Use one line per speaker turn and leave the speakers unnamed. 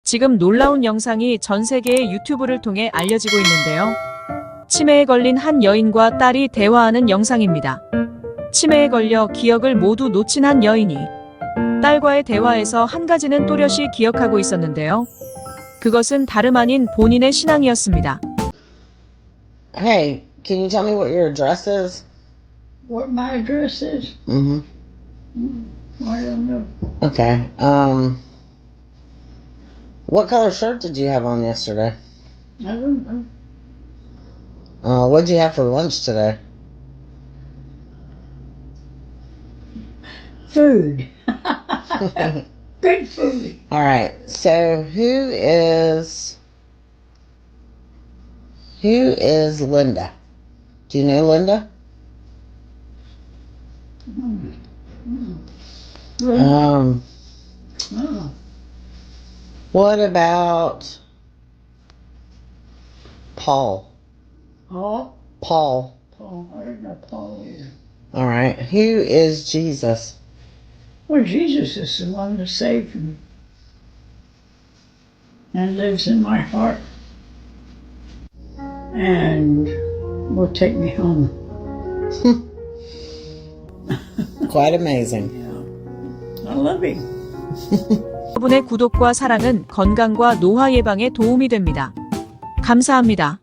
지금 놀라운 영상이 전 세계의 유튜브를 통해 알려지고 있는데요. 치매에 걸린 한 여인과 딸이 대화하는 영상입니다. 치매에 걸려 기억을 모두 놓친 한 여인이 딸과의 대화에서 한 가지는 또렷이 기억하고 있었는데요. 그것은 다름 아닌 본인의 신앙이었습니다.
Hey, can you tell me what your address is?
What my address is?
Mm-hmm.
I don't know.
Okay. What color shirt did you have on yesterday?
I don't know.
What'd you have for lunch today?
Food. Good food.
All right. So who is Linda? Do you know Linda?
Oh.
What about Paul?
Paul?
Paul.
Paul. I don't know Paul either.
All right. Who is Jesus?
Well, Jesus is the one that saved me and lives in my heart and will take me home.
Quite amazing.
I love him.
여러분의 구독과 사랑은 건강과 노화 예방에 도움이 됩니다. 감사합니다.